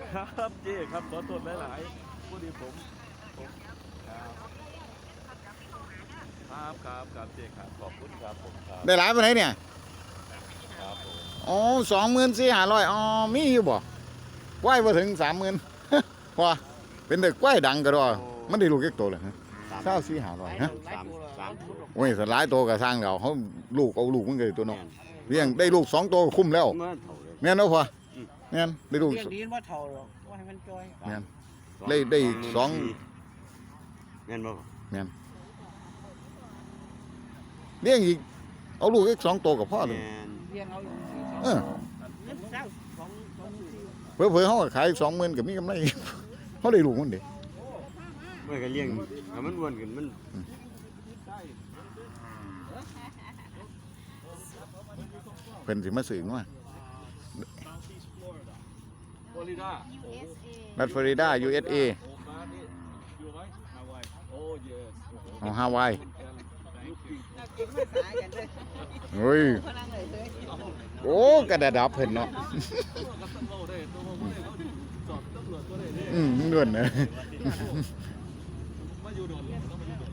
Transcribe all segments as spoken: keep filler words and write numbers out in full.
ครับเจ๊ครับขอโทษหลายๆผู้ดีผมผมครับครับครับเจ๊ครับขอบคุณครับผมครับได้หลายไปไหนเนี่ยครับผมอ๋อสองหมื่นสี่ห้าร้อยอ๋อมีอยู่บ่กล้วยมาถึงสามหมื่นพอเป็นเด็กกล้วยดังก็รอมันได้ลูกเล็กโตเลยฮะเศร้าสี่ห้าร้อยฮะสามสามโอ้ยสลายโตกับสร้างเราเขาลูกเอาลูกมันเลยตัวน้องเลี้ยงได้ลูกสองตัวคุ้มแล้วเมื่อเท่าเลยแม่นเอาพอแม่นได้ลูกเรียกดีว่าเท่าหรอกว่าให้มันจอยแม่นได้ได้สองแม่นบ่แม่นเลี้ยงอีกเอาลูกอีกสองตัวกับพ่อเลยแม่นเรียงเอาอยู่สี่เออเงินเก้าสองสองสี่เผื่อเผื่อเขาก็ขายสองหมื่นกับมีกำไร เขาได้ลูกมันเด็กเมื่อก็เลี้ยงถ้ามันอ้วนขึ้นมันเป็นสิมาสื่อว่าฟลอริดารัฐฟลอริดา ยู เอส เอโอ้บ้านนี่อยู่ไหมฮาวายโอ้เยสของฮาวายเก่งภาษากันเลยเฮ้ยพลังเลยเลยโอ้กระดาดับเพิ่นเนาะ อืมด่วนนะมาอยู่โดนเลยต้องมาอยู่โดน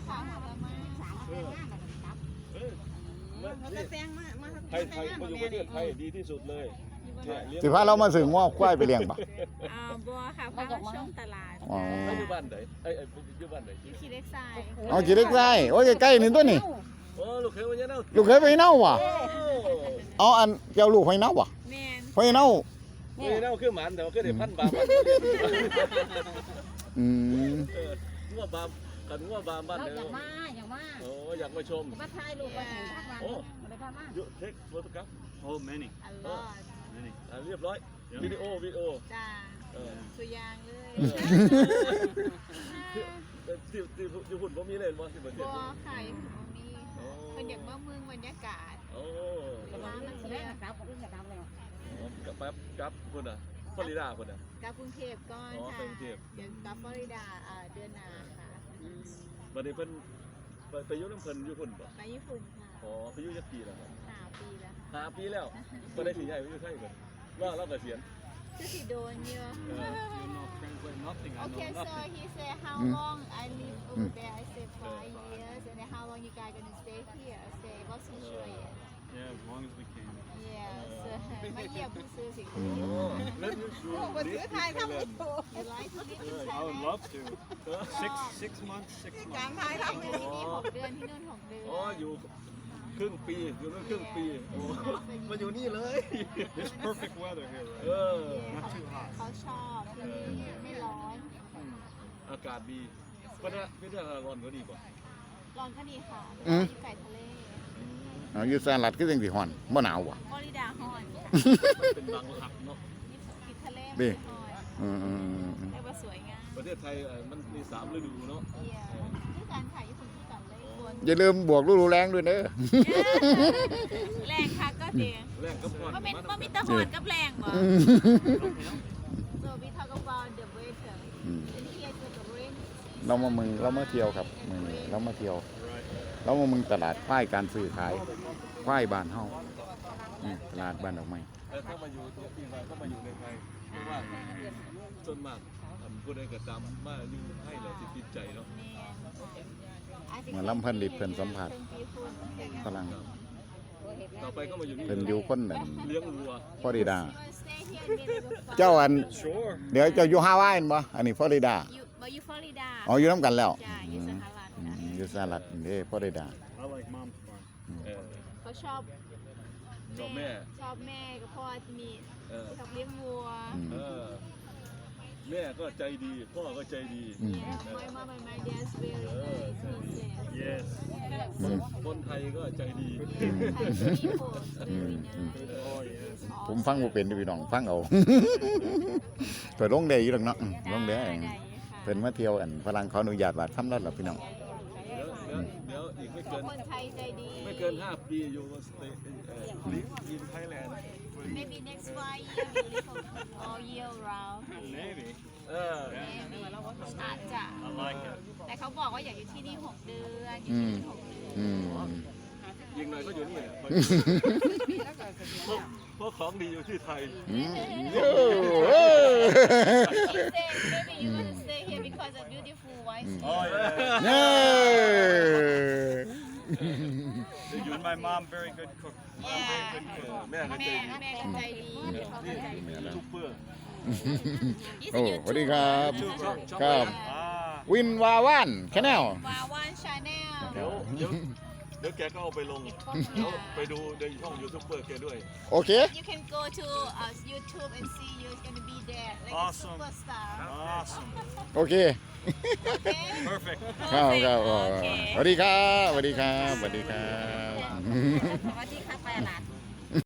มันจะแซงมามาไทยไทยมาอยู่ประเทศไทยดีที่สุดเลยเนี่ยเลี้ยงสิพาเรามาสื่อว่าควายไปเลี้ยงปะอ่าบัวค่ะพามาช่วงตลาดอ๋อแล้วอยู่บ้านไหนเอ้ยเอ้ยอยู่บ้านไหนอยู่ที่เล็กไซด์เอาจีเล็กไส้โอ้ยใกล้ๆนี่ตัวนี่โอ้ลูกเคยมาเนี่ยเนาะลูกเคยไปเน่าว่ะเอาอันเจ้าลูกไปเน่าว่ะแมนไปเน่าเฮ้ยเน่าคือหมันแต่ว่าก็ได้พันบาทอืมเอองัวบามกันงัวบามบ้านเราเดียอยาว กมาอยากมาโอ้อยากมาชมมาถ่ายรูปไปเห็นทักวันมาได้พามายุเทคโฟโต้กราฟ Oh, many, อัลลอด many. อ่าเรียบร้อยวิดีโอวิดีโอจ้าเออสุยางเลยที่ที่ที่หุ่นผมมีเลยบ่ที่ประเทศบัวค่ะยังมีเป็นอย่างเมื่อเมืองบรรยากาศโอ้ร้านมันแสดเที่งยวนะครับผมจะทำเลยกับแป๊บกับคนอ่ะฟลอริดาคนอ่ะกลับกรุงเทพก่อนอ๋อค่ะไปกรุงเทพเดี๋ยวกลับฟลอริดาอ่าเดือนหน้าค่ะบัดนี้เพิ่นไปไปอยู่น้ำเพิ่นอยู่หุ่นบ่ไปญี่ปุ่นค่ะอ๋อไปอยู่จักปีแล้วครับสามปีแล้วค่ะห้าปีแล้วบ่ได้สิใหญ่ไปอยู่ไทยเพิ่นว่าเราเกษียณคือสิโดนเยอะ You know, translate nothing. I know Okay, so nothing. he said how Mm. long I live over there. I said five years, and then how long you guys gonna stay here? I said what's your choice? Yeah, as long as we can. Yeah, so มาเยี่ยมผู้ซื้อสิโอ้เล่นอยู่สูงมาซื้อไทยทำไม่ถูก You like to live in I would Thailand? love to. Six, six months, six การ months. ไทยทำไม่ที่ถูกนี่หกเดือนที่นู่นหกเดือนอ๋ออยู่ครึ่งปีอยู่นั่นครึ่งปีโอ้มาอยู่นี่เลย This perfect weather here, เอ right? อ Not too hot. เขาชอบที่นี่ไม่ร้อนอากาศดีเพราะฉะนั้นไม่ได้ร้อนก็ดีกว่าร้อนก็ดีค่ะอยู่ไก่ทะเลเอาอยู่สหรัฐก็ยังสิฮ้อนบ่หนาวว่ะฟลอริดาฮอนค่ะเป็นบางหลักเนาะติดทะเลดิฮอนอืมอืมอืมอืมเรียกว่าสวยงามประเทศไทยเอ่อมันมีสามฤดูเนาะเยี่ยมที่การขายญี่ปุ่นที่กันเลยควรอย่าลืมบวกฤดูแรงด้วยเด้อแรงค่ะก็เดียแรกก็พอดว่าเป็นว่ามีตะหอนกับแรงบ่ So we talk about the weather. And here is the rain. เรามาเมืองเรามาเที่ยวครับเมืองนี้เรามาเที่ยว เรามาเมืองตลาดควายการซื้อขายควายบ้านเฮานี่ตลาดบ้านดอกไม้แต่ถ้ามาอยู่ที่มาถ้ามาอยู่ในไทยเพราะว่าส่วนมากทำผู้ใดก็ตามมาอยู่ให้เราสิติดใจเนาะเหมือนลำเพิ่นลิดเพิ่นสัมผัสฝรั่งต่อไปก็มาอยู่นี่เพิ่นอยู่คนนั่นเลี้ยงวัวฟลอริดา เจ้าอัน Sure. เดี๋ยวเจ้าอยู่ฮาวายบ่อันนี้ฟลอริดาอยู่มาอยู่ฟลอริดาอ๋ออยู่น้ำกันแล้วจ้ะอยู่สหรัฐอืค่ะมอยู่สหรัฐเด้ฟลอริดา I like mom's farm. เออเขาชอบชอบแม่ชอบแม่กับพ่อที่มีเออชอบเลี้ยงวัวอืมเออแม่ก็ใจดีพ่อก็ใจดีอืม Yeah, my mom and my dad's very nice. He said. Yes. อืมคนไทยก็ใจดี Thai people very nice. Oh, yes. ผมฟังบ่เป็นเด้อพี่น้องฟังเอา เปิดลงได้อยู่ดอกเนาะอืมลงได้ได้ค่ะเพิ่นมาเที่ยวอันฝรั่งขออนุญาตว่าทำแล้วล่ะพี่น้องเดี๋ยวเดี๋ยวเดี๋ยวอีกไม่เกินคนไทยใจดีไม่เกินห้าปีอยู่สเตย์ลิฟอินไทยแลนด์ Maybe next five years we live all year round. Maybe. เออ Maybe อาจจะ I like it. แต่เขาบอกว่าอยากอยู่ที่นี่หกเดือนอยู่ที่นี่หกเดือนอืมเยิงหน่อยก็อยู่นี่แหละแล้วก็เสถียรเพราะเพราะของดีอยู่ที่ไทยอืมโอ้โห He said maybe you want to stay here because of beautiful wife. Oh yeah. เย้ And my mom very good cook. Mom very Yeah. good เอ cook. อแม่ก็ใจแม่ดีแม่ก็ใจดีนี่ทุกเพื่อ He's โอ้ a สวัสดี YouTuber. ครับช่องช่องครับ Ah. วินวาวันแคแนลวาวันชาแนลเดี๋ยวเดี๋ยวเดี๋ยวแกก็เอาไปลงเดี๋ยวไปดูในช่องยูทูบเบอร์แกด้วยโอเค You can go to uh, YouTube and see you're gonna be there like Awesome. a superstar. Awesome. โอเค Okay. Perfect. ครับครับโอเคสวัสดีครับสวัสดีครับสวัสดีครับสวัสดีครับไปอาหลาด